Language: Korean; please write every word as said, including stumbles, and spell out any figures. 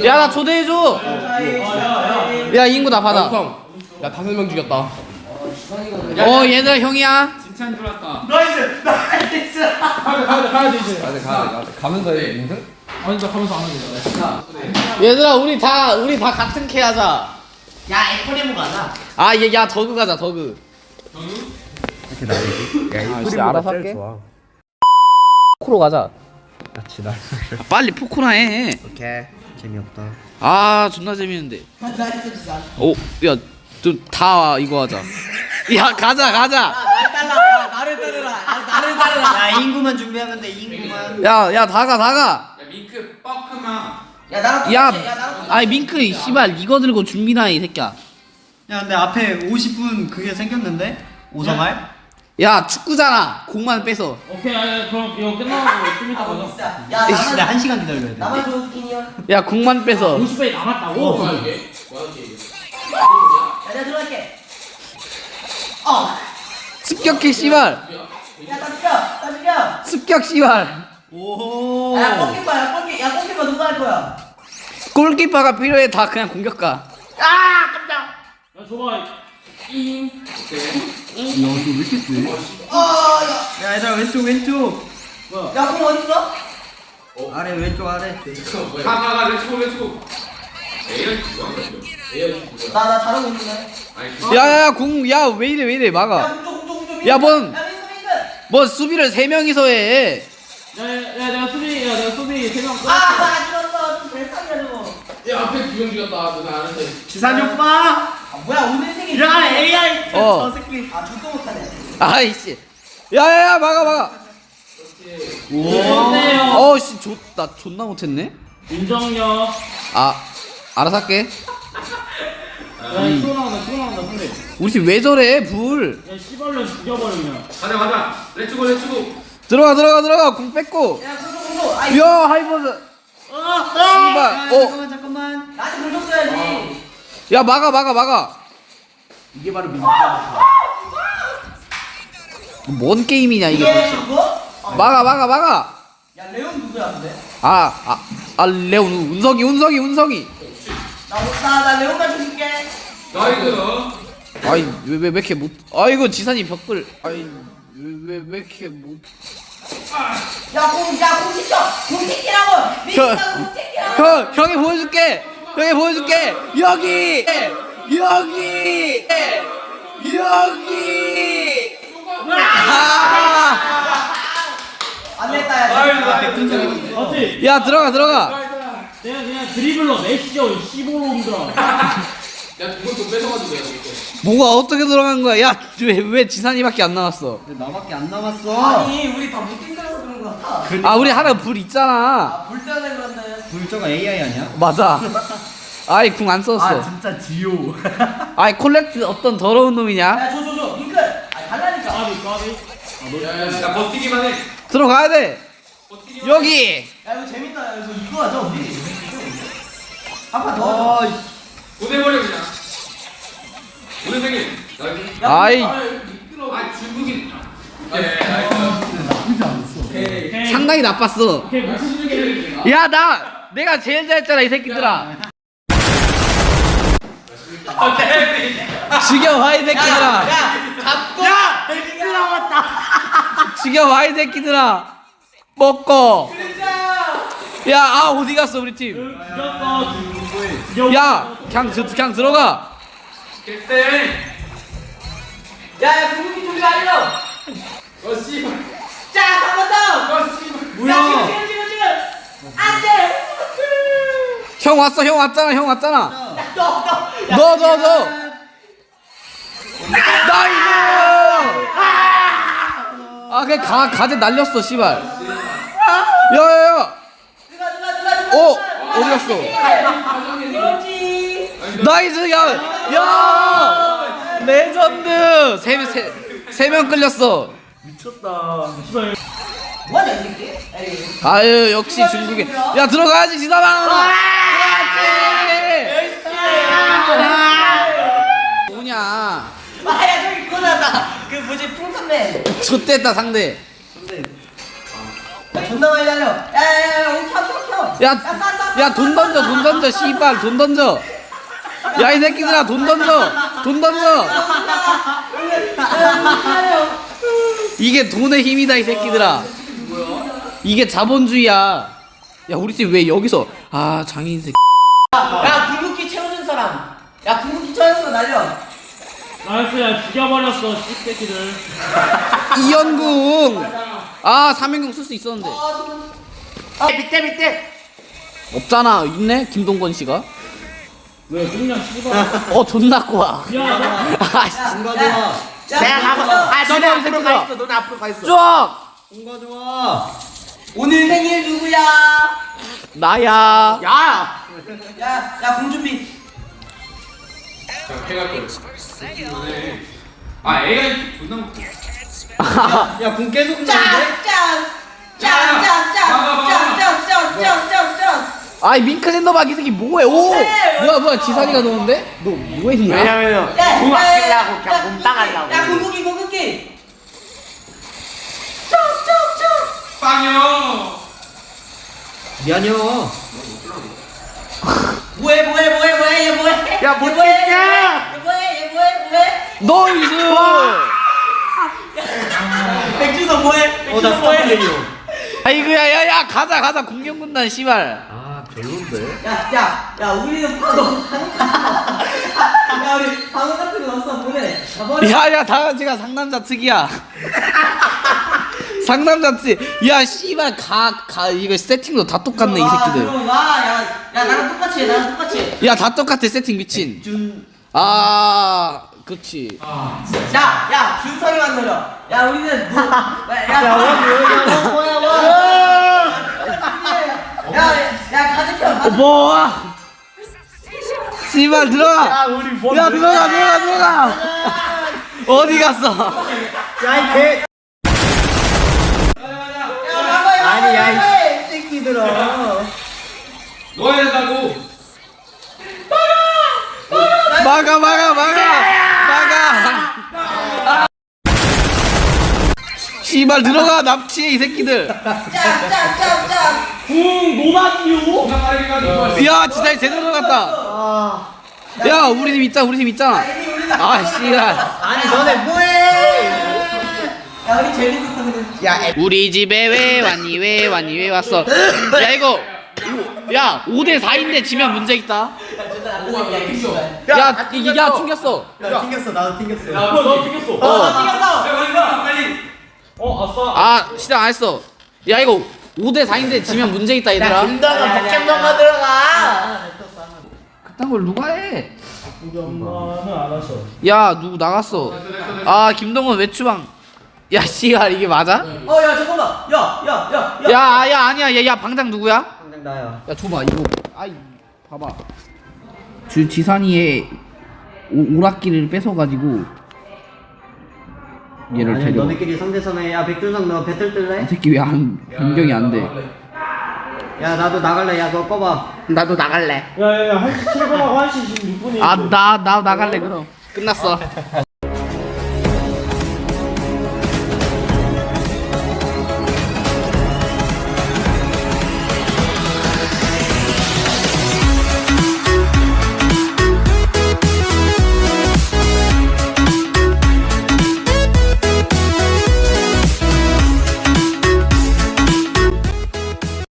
야 나 초대해줘. 야 인구 나 받아. 야 다섯 명 죽였다. 어 얘들아 형이야. 진짜인 줄 알았다. 나이스 나이스. 가야 가야 가야 돼 이제. 가야 돼 가야 돼. 가면서 해 인생? 아니 나 가면서 안 하게. 얘들아 우리 다 우리 다 같은 캐 하자. 야 에코레모 가자. 아 얘 야 더그 가자 더그. 이렇게 나오지? 야 아, 진짜 알아서 제일 할게. 좋아. 포크로 가자. 같이 나. 빨리 포크나 해. 오케이. 재미없다. 아 존나 재밌는데. 나이스 진짜. 오 야 좀 다 이거 하자. 야 가자 가자. 날 따라. 야, 나를 따르라. 야, 나를 따르라. 야 인구만 준비하면 돼 인구만. 야 야 다가 다가. 야 밍크 뻑크마. 야 나랑 야 똑같이, 야 나랑 똑같이. 아이 밍크 이 씨발 이거 들고 준비나 이 새끼야. 야 근데 앞에 오십 분 그게 생겼는데? 오성알? 야 축구잖아. 공만 빼서. 오케이 야, 그럼 이거 끝나고 좀 이따 가자. 진짜. 야 에이씨 나 나만 한 시간 기다려야 돼. 나만 좋은 스킨이야. 야 공만 빼서. 오십 배 남았다고. 야 내가 들어갈게. 어. 습격해 씨발. 야다 죽여. 다 죽여. 습격 씨발. 오. 야 골키퍼 야 골키 야 골키퍼 누가 할 거야? 골키퍼가 필요해. 다 그냥 공격가. 아 깜짝. 야 줘봐. 잉. 야너왜 이렇게 세? 어야. 야 얘들아 왼쪽 왼쪽. 야공 어디 있어? 아래 왼쪽 아래. 가가가 렛츠고 렛츠고. 나나 잘하고 있네. 야야야 공 야 왜 이래 왜 이래 막아. 야 공조 공조 공조. 야, 뭔- 야 민수 민수. 뭐 수비를 세 명이서 해. 야야 내가 수비 야 내가 수비 세명 아, 나 죽었어. 좀 대상이야 저거. 야 앞에 두명 죽였다. 누나 아는데. 지산이 오빠. 아, 뭐야 오늘 생일. 야 에이아이 어. 저 새끼. 아, 죽도 못하네. 아이씨. 야야야 막아 막아. 좋네요. 어씨 존나 존나 못했네. 인정요. 아 알아서 할게. 야 치고 나온다 치고 나온다 상대. 우리 팀 왜 저래 불. 야 씨발로 죽여버리면. 가자 가자 렛츠고 렛츠고 들어가 들어가 들어가 공 뺏고. 야 공조 공조. 아이. 야 하이버드. 씨발. 야, 어. 잠깐만 잠깐만. 나한테 물 줬어야지. 야 막아 막아 막아. 이게 바로 민주주의다. 뭔 게임이냐 이거 이게 도대체. 누구? 막아 막아 막아. 야 레온 누구야 근데? 아아 아, 레온 운석이 운석이 운석이. 나나 레온만 줄게. 나이스 아이 왜 왜 왜 이렇게 못. 아이고 지산이 벽을. 아이 왜왜 왜 이렇게 못. 야공야공 시켜. 공 시키라고. 민수가 공 시키라고. 형 형이 보여줄게. 형이 보여줄게. 여기 여기 여기. 아. 안 됐다 야. 맞지? 야 들어가 들어가. 내가 그냥 드리블러 메시어 십오로인들아. 야 그걸 또 뺏어가지고 내가 이거 뭐가 어떻게 들어간 거야? 야왜 왜 지산이밖에 안 남았어? 근데 나밖에 안 남았어. 아니 우리 다 무팅스라서 그런 거 같아. 아 우리 하나 불 있잖아. 아불 때문에 그런데. 불저가 에이아이 아니야? 맞아. 아이 궁 안 썼어. 아 진짜 지효. 아이 콜렉트 어떤 더러운 놈이냐? 야줘 줘 줘. 링크. 아 달라니까. 까비 까비. 야야야 버티기만 해 들어가야 돼. 버티기만 여기. 야 이거 재밌다. 야 이거 이거 하자 우리. 한판 더. 어. 하자. 보내버려 그냥 오늘 생일 나이스 아이 아 중국인 예 나이스 상당히 나빴어. 오케이 무슨 게 야 나 내가 제일 잘했잖아 이 새끼들아. 죽여봐 이 새끼들아. 잡고. 야 링크 나왔다. 죽여봐 이 새끼들아. 먹고. 야 아 어디 갔어 우리 팀. 죽였어. 죽여. 야 그냥 저- 그냥 들어가. 개쎄 야야 궁극기 준비 완료. 어 씨발 자 한번 더. 어 씨발 뭐야? 야 지금 지금 지금 지금. 안돼. 형 왔어 형 왔잖아 형 왔잖아. 너너 너 너 너. 나이스. 아 그냥 가 가재 날렸어 씨발. 야야야. 누가 누가 누가 누가. 어 어디 갔어? 그렇지. 나이스 야, 야 레전드 세세 명 끌렸어. 씨발. 뭐하냐 이 새끼? 에이. 아유 역시 중국에 야 들어가야지 지사방. 뭐냐? 아야 저기 그거 나왔다. 그 뭐지 풍선맨. 좆됐다 상대. 야, 존나 많이 달려. 야야야, 오차 켜 켜. 야. 야, 쏴, 쏴, 야 돈 던져 돈 던져 씨발 돈 던져. 야 이 새끼들아 돈 던져 돈 던져. 이게 돈의 힘이다 이 새끼들아. 이게 자본주의야. 야 우리 팀 왜 여기서 아 장애인 새끼. 야 궁극기 채워준 사람. 야 궁극기 채워준 사람 날려. 나이스, 야, 죽여버렸어, 씹새끼들. 이연궁. 아 삼연궁 쓸 수 있었는데. 아 밑에 밑에. 없잖아. 있네 김동건 씨가. 왜, 그냥 씨발. 어 존나 꼬아. 야, 너. 아씨. 뭔가 좋아. 내가 가고. 아 너네 너네 앞으로 앞으로 가 가 있어, 있어. 너네 앞으로 가 있어. 쭉. 뭔가 좋아. 오늘 생일 누구야? 나야. 야. 야야 공준비. 자, 해갈 거예요. 아, 애가 이렇게 존나 먹고. 야궁 계속 나는데? 짜짜짜짜짜짜짜짜짜짜짜짜짜짜. 아이 밍크랜더 막 이 새끼 뭐해? 오. 뭐야 뭐야 지산이가 넣었는데? 너 뭐했냐? 왜냐면요. 돈 아끼려고 그냥 몸 따가려고. 야 공격기 공격기. 빵이요. 미안해요. 뭐해 뭐해 뭐해 뭐해 얘 뭐해? 야, 못 얘 뭐해? 찍자. 얘 뭐해 얘 뭐해 뭐해? 너이스. 백준서 뭐해? 어나 백준서 뭐해? 스타플레이요. 아이고야 야야 가자 가자 공격군단 씨발. 아 별론데. 야야 야 우리는 파도. 야 우리 방어 같은 거 없어 보내. 야야 다 같이가 상남자 특이야. 상남자 특. 야 씨발 가 가 이거 세팅도 다 똑같네 이 새끼들. 야야 나랑 똑같이 해 나랑 똑같이 해. 야 다 똑같아 세팅 미친. 준. 아 그치. 야, 야, 준석이 만들어. 야, 우리는 뭐, 야, 야, 야, 뭐야, 뭐야. 야, 야, 가족형, 어, 가족. 뭐? 씨발 들어가. 야 우리 뭐? 야 들어가 들어가 들어가. 어디 갔어? 야이 개. 아니 야이 새끼들아. 뭐 해야 된다고? 막아 막아 막아 막아. 씨발 들어가 납치해 이 새끼들. 짜, 짜, 짜, 짜. 궁, 노다지요? 존나 빠르게 가지고. 야 진짜 제대로 들어갔다. 야 우리 팀 있잖아 우리 팀 있잖아. 아 씨발. 아니 너네 뭐해? 야, 우리 제일 있었어, 근데. 야 애. 우리 집에 왜 왔니 왜 왔니 왜 왔어? 야 이거 야 오 대 사인데 지면 문제 있다. 야 이게 야 튕겼어. 야 튕겼어 나도 튕겼어. 야, 너 튕겼어. 어. 야, 빨리 가, 빨리. 어, 아싸. 아 시작 안 했어. 야 이거 오 대 사인데 지면 문제 있다 얘들아. 김다가 포켓몬가 들어가. 그딴 걸 누가 해? 우리 엄마는 안 하셔. 야 누구 나갔어? 아 김동원 외추방. 야 씨발 이게 맞아? 어, 야, 잠깐만. 야, 야, 야, 야. 야 야 아니야 야, 야 방장 누구야? 당장 나야. 야 줘봐 이거. 아이 봐봐. 주 지산이의 오, 오락기를 뺏어가지고 얘를 아니 데려. 너네끼리 상대선에 야 백준성 너 배틀 뜰래? 이 새끼 왜 안 변경이 안 돼? 야 나도 나갈래. 야 너 꺼봐. 나도 나갈래. 야, 야, 야, 한 시 칠 분하고 한 시 십육 분이. 아 나 나 나갈래 그럼. 끝났어.